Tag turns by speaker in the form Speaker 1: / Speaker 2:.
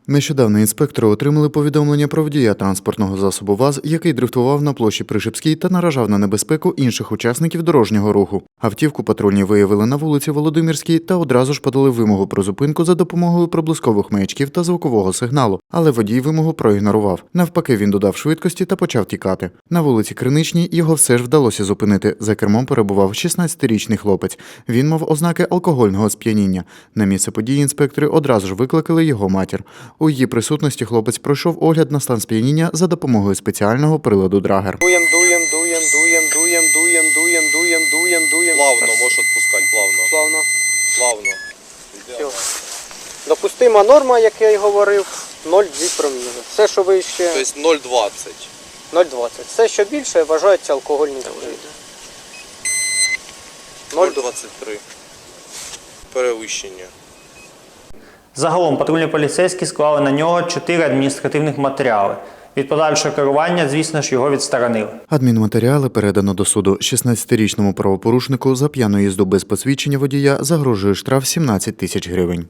Speaker 1: Нещодавно інспектори отримали повідомлення про водія транспортного засобу ВАЗ, який дрифтував на площі Пришипській та наражав на небезпеку інших учасників дорожнього руху. Автівку патрульні виявили на вулиці Володимирській та одразу ж подали вимогу про зупинку за допомогою проблискових маячків та звукового сигналу, але водій вимогу проігнорував. Навпаки, він додав швидкості та почав тікати. На вулиці Криничній його все ж вдалося зупинити. За кермом перебував 16-річний хлопець. Він мав ознаки алкогольного сп'яніння. На місце події інспектори одразу ж викликали його матір. У її присутності хлопець пройшов огляд на стан сп'яніння за допомогою спеціального приладу Драгер.
Speaker 2: Дуєм.
Speaker 3: Плавно, можеш відпускати, плавно. Плавно.
Speaker 2: Все. Допустима норма, як я й говорив, 0,2 проміли. Все, що вище,
Speaker 3: Тобто 0,20.
Speaker 2: 0,20. Все, що більше, вважається алкогольним сп'янінням.
Speaker 3: 0,23. Перевищення.
Speaker 4: Загалом патрульні поліцейські склали на нього 4 адміністративних матеріали. Від подальшого керування, звісно ж, його відсторонили.
Speaker 1: Адмінматеріали передано до суду. 16-річному правопорушнику за п'яну їзду без посвідчення водія загрожує штраф 17 тисяч гривень.